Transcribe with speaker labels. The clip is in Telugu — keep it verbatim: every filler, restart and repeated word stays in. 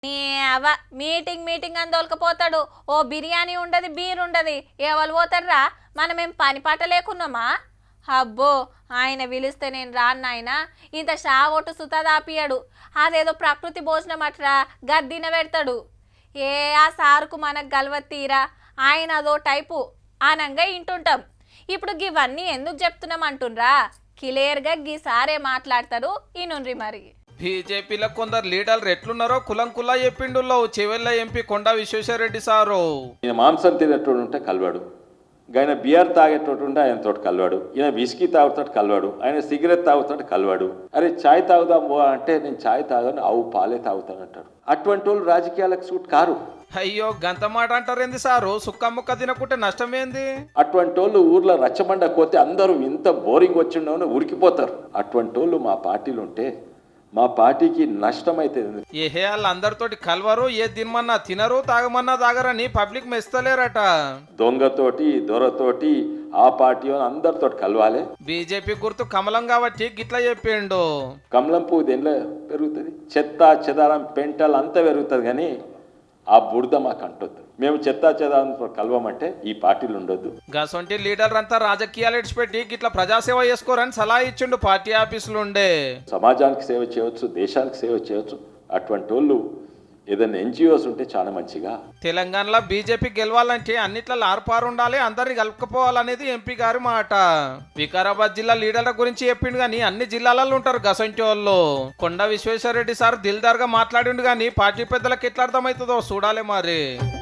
Speaker 1: నీ అవ మీటింగ్ మీటింగ్ అని దొలకపోతాడు. ఓ బిర్యానీ ఉండదు, బీర్ ఉండదు. ఎవరు పోతారా? మనమేం పని పాట లేకున్నామా? అబ్బో, ఆయన పిలిస్తే నేను రాను నాయన. ఇంత షావొట్టు సుతదాపియాడు. అదేదో ప్రకృతి భోజనం అట్రా గద్దిన పెడతాడు. ఏ ఆ సారుకు మనకు గలవత్తీరా, ఆయన అదో టైపు ఆనంగా ఇంటుంటాం. ఇప్పుడు గివన్నీ ఎందుకు చెప్తున్నాం అంటుండ్రా? క్లియర్గా గీ సారే మాట్లాడతారు ఈనుండ్రి. మరి
Speaker 2: బీజేపీలో కొందరు లీడర్లు ఎట్లున్నారో కులం కులా చెప్పిండులో చెవెళ్ళ ఎంపీ కొండా విశ్వేశ్వరరెడ్డి సారు.
Speaker 3: ఈయన మాంసం తినేటోడు ఉంటే కలవాడు, ఆయన బియర్ తాగేటోడు ఉంటే ఆయన తోటి కలవాడు, ఈయన విస్కీ తాగుతాడు కలవాడు, ఆయన సిగరెట్ తాగుతాడు కలవాడు. అరే ఛాయ్ తాగుదాం అంటే నేను ఛాయ్ తాగాను, ఆవు పాలే తాగుతాను అంటాడు. అటువంటి వాళ్ళు రాజకీయాలకు సూట్ కారు.
Speaker 2: అయ్యో గంత మాట అంటారేంది సారు? సుక్క ముక్క తినకుంటే నష్టమేంది?
Speaker 3: అటువంటి వాళ్ళు ఊర్లో రచ్చబండ పోతే అందరూ ఇంత బోరింగ్ వచ్చిండవని ఉరికిపోతారు. అటువంటి వాళ్ళు మా పార్టీలు ఉంటే మా పార్టీకి నష్టం అవుతుంది.
Speaker 2: ఏహే వాళ్ళు అందరితోటి కలవరు, ఏ తినమన్నా తినరు, తాగమన్నా తాగరని పబ్లిక్ మెస్తలేరట.
Speaker 3: దొంగతోటి దొరతోటి ఆ పార్టీ అందరితో కలవాలి.
Speaker 2: బీజేపీ గుర్తు కమలం కాబట్టి గిట్లా చెప్పిండు.
Speaker 3: కమలం పువ్వు దేనిలో పెరుగుతుంది? చెత్త చెదారం పెంటలు అంతా పెరుగుతుంది, కానీ ఆ బురద మాకు అంటొద్దు. మేము చెత్తా చెదారంతో కలవమంటే ఈ పార్టీలు ఉండొద్దు.
Speaker 2: గసొంటి లీడర్ అంతా రాజకీయాలు ఇడిచిపెట్టి గిట్లా ప్రజాసేవ చేసుకోరని సలహా ఇచ్చిండు పార్టీ ఆఫీసులు ఉండే.
Speaker 3: సమాజానికి సేవ చేయవచ్చు, దేశానికి సేవ చేయవచ్చు. అటువంటి వాళ్ళు ఏదైనా ఎన్జిఓస్ ఉంటే చాలా మంచిగా.
Speaker 2: తెలంగాణలో బీజేపీ గెలవాలంటే అన్నిట్లో ఆర్పారు ఉండాలి, అందరిని కలుపుకోవాలనేది ఎంపీ గారి మాట. వికారాబాద్ జిల్లా లీడర్ల గురించి చెప్పిండు గానీ అన్ని జిల్లాలలో ఉంటారు గసంటి వాళ్ళు. కొండా విశ్వేశ్వరరెడ్డి సార్ దిల్దార్ గా మాట్లాడిండు గానీ పార్టీ పెద్దలకు ఎట్లా అర్థమవుతుందో చూడాలి మరి.